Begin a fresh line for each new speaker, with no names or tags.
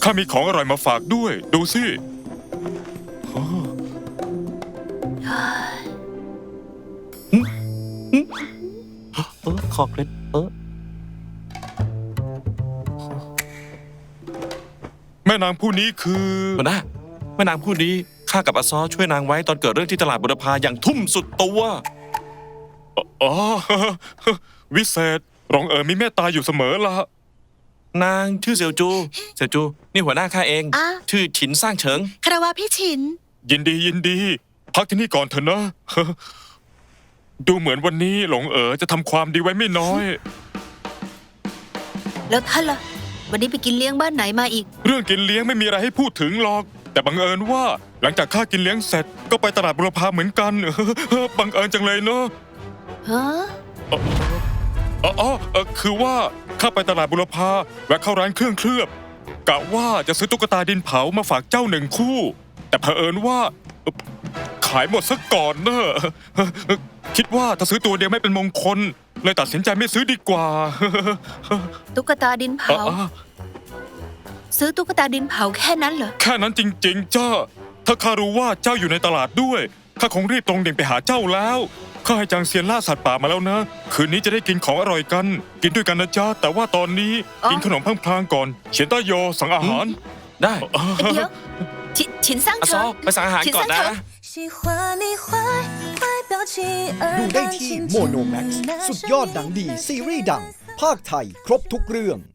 ข้ามีของอร่อยมาฝากด้วย ดูสิโอ้
ขอเคล็ด
แม่นางผู้นี้คือ
หัวหน้าแม่นางผู้นี้ข้ากับอาซอช่วยนางไว้ตอนเกิดเรื่องที่ตลาดบุรพาอย่างทุ่มสุดตัว
อ๋อ วิเศษรองมีเมตตาอยู่เสมอละ
นางชื่อเสี่ยวจู เสี่ยวจู นี่หัวหน้าข้าเอง
อ่ะ
ชื่อฉินสร้างเฉิง
คารวะพี่ฉิน
ยินดียินดี พักที่นี่ก่อนเถอะนะ ดูเหมือนวันนี้หลงจะทำความดีไว้ไม่น้อย
แล้วท่านล่ะ วันนี้ไปกินเลี้ยงบ้านไหนมาอีก
เรื่องกินเลี้ยงไม่มีอะไรให้พูดถึงหรอก แต่บังเอิญว่าหลังจากข้ากินเลี้ยงเสร็จก็ไปตลาดบุรพาเหมือนกัน บังเอิญจังเลยเนาะ
ฮะ
คือว่าข้าไปตลาดบุรพาแวะเข้าร้านเครื่องเคลือบกะว่าจะซื้อตุ๊กตาดินเผามาฝากเจ้า1 คู่ แต่เผอิญว่าขายหมดซะก่อนเนอะคิดว่าถ้าซื้อตัวเดียวไม่เป็นมงคลเลยตัดสินใจไม่ซื้อดีกว่า
ตุ๊กตาดินเผา ซื้อตุ๊กตาดินเผาแค่นั้นเหรอ
แค่นั้นจริงๆจ้าถ้าข้ารู้ว่าเจ้าอยู่ในตลาดด้วยข้าคงรีบตรงเด่งไปหาเจ้าแล้วข้าให้จางเซียนล่าสัตว์ป่ามาแล้วนะคืนนี้จะได้กินของอร่อยกัน กินด้วยกันนะจ๊ะแต่ว่าตอนนี้
อ๋อ
กินขนมพลางๆก่อนเฉียนต้าโยสั่งอาหาร
ได้
เดี๋ยวฉินสร้าง
อาซ
เฉิ
อง ไปสั่งอาหารก่อนนะ
喜欢你坏坏表情
ดูได้ที่โมโนแม็กซ์สุดยอดหนังดีซีรีส์ดัง ภาคไทยครบทุกเรื่อง